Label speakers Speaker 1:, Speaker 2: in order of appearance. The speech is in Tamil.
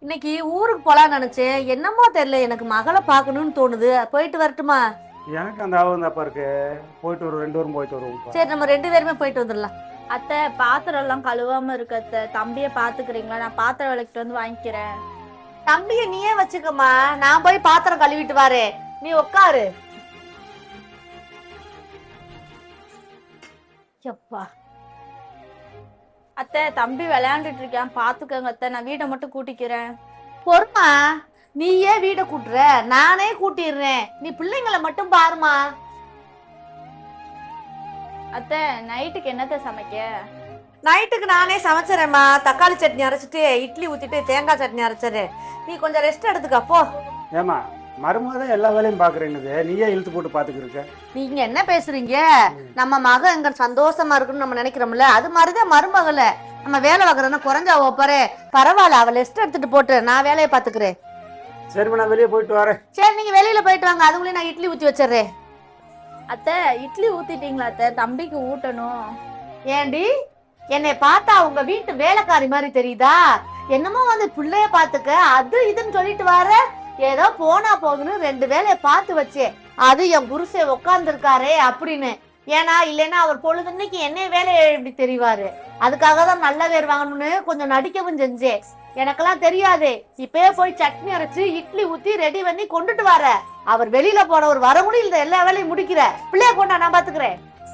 Speaker 1: இன்னைக்கு ஊருக்கு போலான்னு நினைச்சேன். என்னமோ தெரியல, எனக்கு மகளை பார்க்கணும்னு தோணுது. போயிட்டு வரட்டுமா?
Speaker 2: எனக்கு அந்த ஆர்வம் தான்ப்பா இருக்கு. போயிட்டு ஒரு 2 வாரம் போயிட்டு வருவோம்ப்பா.
Speaker 1: சரி, நம்ம 2 பேருமே போயிட்டு வந்துடலாம்.
Speaker 3: அத்தை, பாத்திரம் எல்லாம் கழுவாம இருக்கு அத்தை. தம்பிய பாத்துக்கிறீங்களா? நான் பாத்திரம் விளக்கிட்டு வந்து வாங்கிக்கிறேன்.
Speaker 1: தம்பிய நீயே வச்சுக்கம்மா, நான் போய் பாத்திரம் கழுவிட்டு வரேன். நீ உட்காரு. எப்பா,
Speaker 3: அத்தை, தம்பி விளையாண்டுட்டு இருக்கான், பாத்துக்கங்க அத்தை. நான் வீட்டை மட்டும் கூட்டிக்கிறேன்.
Speaker 1: பொறுமா. நீயே வீட்டை கூட்டுற, நானே கூட்டிடுறேன். நீ பிள்ளைங்களை மட்டும் பாருமா.
Speaker 3: அத்தை, நைட்டுக்கு என்னத்தை சமைக்க?
Speaker 1: நைட்டுக்கு நானே சமைச்சிடறேம்மா. தக்காளி சட்னி அரைச்சிட்டு இட்லி ஊத்திட்டு தேங்காய் சட்னி அரைச்சிடு. நீ கொஞ்சம் ரெஸ்ட் எடுத்துக்க போ.
Speaker 2: ஏமா மருமக தான் எல்லா வேலையும் பாக்குறேன்னுது, நீயே இழுத்து போட்டு பாத்துக்கிருக்க.
Speaker 1: நீங்க என்ன பேசுறீங்க? நம்ம மக எங்க சந்தோஷமா இருக்குன்னு நம்ம நினைக்கிறோம்ல, அது மாதிரிதான் மருமகள. நம்ம வேலை வாங்குறோம்னா குறைஞ்சா ஓப்பாரு. பரவாயில்ல, அவ ரெஸ்ட் எடுத்துட்டு போட்டு நான் வேலையை பாத்துக்கிறேன்.
Speaker 2: சரிம்மா, நான் வெளியே போயிட்டு வரேன்.
Speaker 1: சரி, நீங்க வெளியில போயிட்டு வாங்க. அதுக்குள்ளே நான் இட்லி ஊத்தி வச்சிடுறேன்.
Speaker 3: அத்தை, இட்லி ஊத்திட்டீங்களா அத்தை? தம்பிக்கு ஊட்டணும்.
Speaker 1: ஏண்டி, என்னை பார்த்தா உங்க வீட்டு வேலைக்காரி மாதிரி தெரியுதா? என்னமோ வந்து பிள்ளைய பாத்துக்க அது இதுன்னு சொல்லிட்டு வர. ஏதோ போனா போகுதுன்னு 2 வேலையை பார்த்து வச்சேன். அது என் புருஷன் உட்கார்ந்துருக்காரே அப்படின்னு. ஏன்னா இல்லைன்னா அவர் பொழுதுன்னைக்கு என்ன வேலையை எப்படி தெரிவாரு. அதுக்காக தான் நல்ல பேர் வாங்கணும்னு கொஞ்சம் நடிக்கவும் செஞ்சேன். எனக்கெல்லாம் தெரியாது. இப்பயே போய் சட்னி அரைச்சு இட்லி ஊத்தி ரெடி பண்ணி கொண்டுட்டு வர. அவர் வெளியில போன ஒரு வர முடியல, எல்லா வேலையும் முடிக்கிற. பிள்ளைய கொண்டா, நான் பாத்துக்கிறேன்.